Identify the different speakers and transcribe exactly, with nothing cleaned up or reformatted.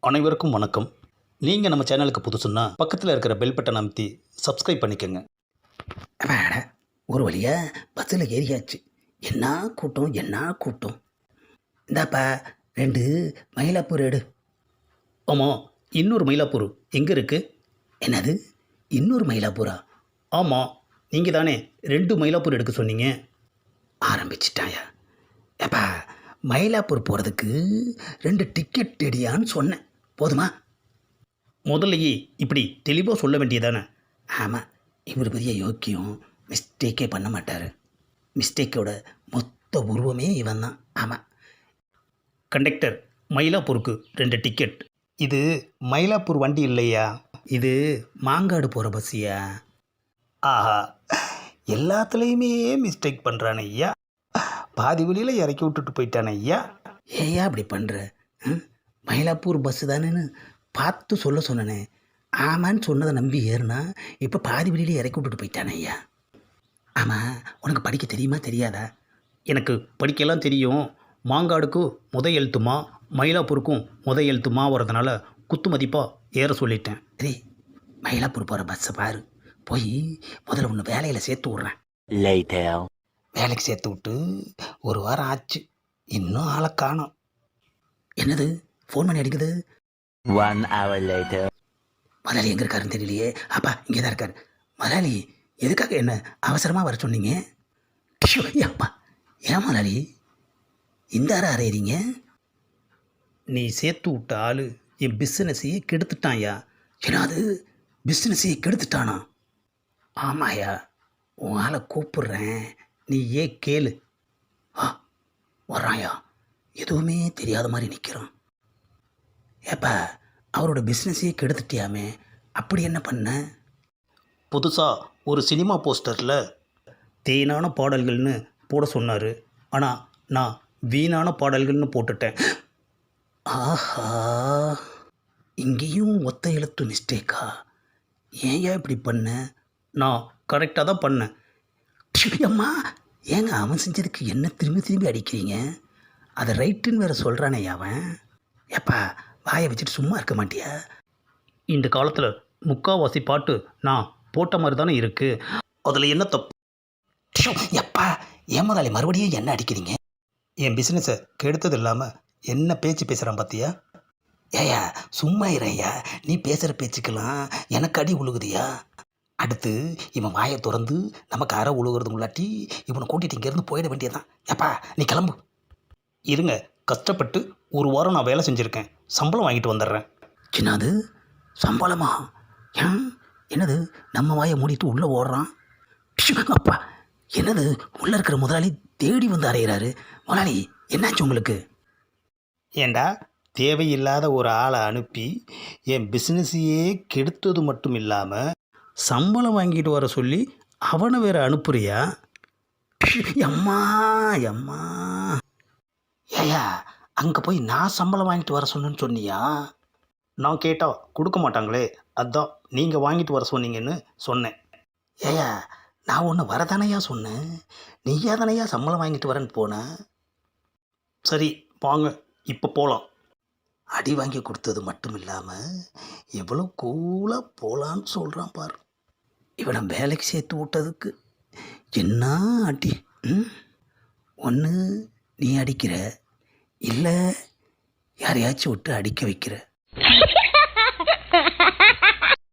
Speaker 1: அனைவருக்கும் வணக்கம். நீங்கள் நம்ம சேனலுக்கு புதுசுன்னா பக்கத்தில் இருக்கிற பெல் பட்டன் அமைத்தி சப்ஸ்கிரைப் பண்ணிக்கோங்க.
Speaker 2: அட ஒரு வழியாக பஸ்ஸில் ஏறியாச்சு. என்ன கூட்டம் என்ன கூட்டம். இந்தாப்பா ரெண்டு மயிலாப்பூர் எடு.
Speaker 1: ஆமாம், இன்னொரு மயிலாப்பூர் எங்கே இருக்குது?
Speaker 2: என்னது இன்னொரு மயிலாப்பூரா?
Speaker 1: ஆமாம், நீங்கள் தானே ரெண்டு மயிலாப்பூர் எடுக்க சொன்னீங்க.
Speaker 2: ஆரம்பிச்சிட்டாயா? ஏப்பா மயிலாப்பூர் போகிறதுக்கு ரெண்டு டிக்கெட் எடியான்னு சொன்னேன், போதுமா?
Speaker 1: முதல்லையே இப்படி தெளிவாக சொல்ல வேண்டியதானே.
Speaker 2: ஆமாம், இவர் பெரிய யோக்கியம், மிஸ்டேக்கே பண்ண மாட்டார். மிஸ்டேக்கோட மொத்த உருவமே இவன் தான். ஆமாம்.
Speaker 1: கண்டக்டர், மயிலாப்பூருக்கு ரெண்டு டிக்கெட். இது மயிலாப்பூர் வண்டி இல்லையா,
Speaker 2: இது மாங்காடு போகிற பஸ்ஸியா?
Speaker 1: ஆஹா, எல்லாத்துலேயுமே மிஸ்டேக் பண்ணுறானே ஐயா. பாதி வழியில் இறக்கி விட்டுட்டு போயிட்டானே ஐயா.
Speaker 2: ஏயா அப்படி பண்ணுற? மயிலாப்பூர் பஸ்ஸு தானேன்னு பார்த்து சொல்ல சொன்னனே. ஆமான்னு சொன்னதை நம்பி ஏறுனா இப்போ பாதி வழியிலே இறக்கி விட்டுட்டு போயிட்டானே ஐயா. ஆமாம், உனக்கு படிக்க தெரியுமா தெரியாதா?
Speaker 1: எனக்கு படிக்கலாம் தெரியும். மாங்காடுக்கும் முத எழுத்துமா, மயிலாப்பூருக்கும் முத எழுத்துமா வரதுனால குத்து மதிப்பாக ஏற சொல்லிட்டேன்.
Speaker 2: சரி, மயிலாப்பூர் போகிற பஸ்ஸை பாரு. போய் முதல்ல ஒன்று வேலையில் சேர்த்து விட்றேன். வேலைக்கு சேர்த்து விட்டு ஒரு வாரம் ஆச்சு, இன்னும் ஆளை காணோம். என்னது ஃபோன் பண்ணி அடிக்குது?
Speaker 3: One hour later.
Speaker 2: முதலாளி எங்கே இருக்காருன்னு தெரியலையே. அப்பா இங்கே தான் இருக்கார். முதலாளி எதுக்காக என்ன அவசரமாக வர சொன்னீங்க? டிஷோ, அப்பா ஏன் முதலாளி இந்த அறை அறையிறீங்க?
Speaker 1: நீ சேர்த்து விட்ட ஆள் என் பிஸ்னஸையே கெடுத்துட்டான்யா.
Speaker 2: ஏன்னாது பிஸ்னஸையே கெடுத்துட்டானா? ஆமாயா, உன் ஆளை கூப்பிடுறேன்,
Speaker 1: நீ ஏன் கேளு.
Speaker 2: ஆ வர்றாயா? எதுவுமே தெரியாத மாதிரி நிற்கிறான். ஏப்பா அவரோட பிஸ்னஸையே கெடுத்துட்டியாமே, அப்படி என்ன பண்ண?
Speaker 1: புதுசாக ஒரு சினிமா போஸ்டரில் தேனான பாடல்கள்னு போட சொன்னார். ஆனால் நான் வீணான பாடல்கள்னு போட்டுட்டேன்.
Speaker 2: ஆஹா, இங்கேயும் ஒத்த எழுத்து மிஸ்டேக்கா? ஏன் இப்படி பண்ண?
Speaker 1: நான் கரெக்டாக தான் பண்ணேன்.
Speaker 2: அம்மா, ஏங்க அவன் செஞ்சதுக்கு என்ன திரும்பி திரும்பி அடிக்கிறீங்க? அதை ரைட்டுன்னு வேறு சொல்கிறானே அவன். ஏப்பா வாயை வச்சுட்டு சும்மா இருக்க மாட்டியா?
Speaker 1: இந்த காலத்தில் முக்காவாசி பாட்டு நான் போட்ட மாதிரி தானே இருக்குது. அதில் என்ன தப்பு?
Speaker 2: எப்பா ஏன் முதலாளி மறுபடியும் என்ன அடிக்கிறீங்க?
Speaker 1: என் பிஸ்னஸை கெடுத்தது இல்லாமல் என்ன பேச்சு பேசுகிறான் பார்த்தியா?
Speaker 2: ஏயா சும்மா இறையா, நீ பேசுகிற பேச்சுக்கெல்லாம் எனக்கு அடி உழுகுதியா? அடுத்து இவன் வாயை திறந்து நமக்கு அரை உழுகிறதுக்குள்ளாட்டி இவனை கூட்டிகிட்டு இங்கேருந்து போயிட வேண்டியதான். ஏப்பா நீ கிளம்பு.
Speaker 1: இருங்க, கஷ்டப்பட்டு ஒரு வாரம் நான் வேலை செஞ்சுருக்கேன், சம்பளம் வாங்கிட்டு வந்துடுறேன்.
Speaker 2: என்னது சம்பளமா? ஏன் என்னது நம்ம வாயை மூடிட்டு உள்ளே ஓடுறான்? அப்பா என்னது உள்ளே இருக்கிற முதலாளி தேடி வந்து அறையிறாரு. முதலாளி என்னாச்சு உங்களுக்கு?
Speaker 1: ஏண்டா, தேவையில்லாத ஒரு ஆளை அனுப்பி என் பிஸ்னஸையே கெடுத்தது மட்டும் இல்லாமல் சம்பளம் வாங்கிட்டு வர சொல்லி அவனை வேறு அனுப்புறியா?
Speaker 2: எம்மா எம்மா, ஏயா அங்கே போய் நான் சம்பளம் வாங்கிட்டு வர சொன்னேன்னு சொன்னியா?
Speaker 1: நான் கேட்டால் கொடுக்க மாட்டாங்களே, அதான் நீங்கள் வாங்கிட்டு வர சொன்னீங்கன்னு சொன்னேன்.
Speaker 2: ஏயா நான் ஒன்று வரதானையா சொன்னேன், நீயா தானையா சம்பளம் வாங்கிட்டு வரேன்னு போனேன்.
Speaker 1: சரி வாங்க, இப்போ போகலாம்.
Speaker 2: அடி வாங்கி கொடுத்தது மட்டும் இல்லாமல் எவ்வளோ கூலாக போகலான்னு சொல்கிறான் பாரு. இவனை வேலைக்கு சேர்த்து விட்டதுக்கு என்ன அடி. ம் ஒன்று நீ அடிக்கிற, இல்லை யாரையாச்சும் விட்டு அடிக்க வைக்கிற.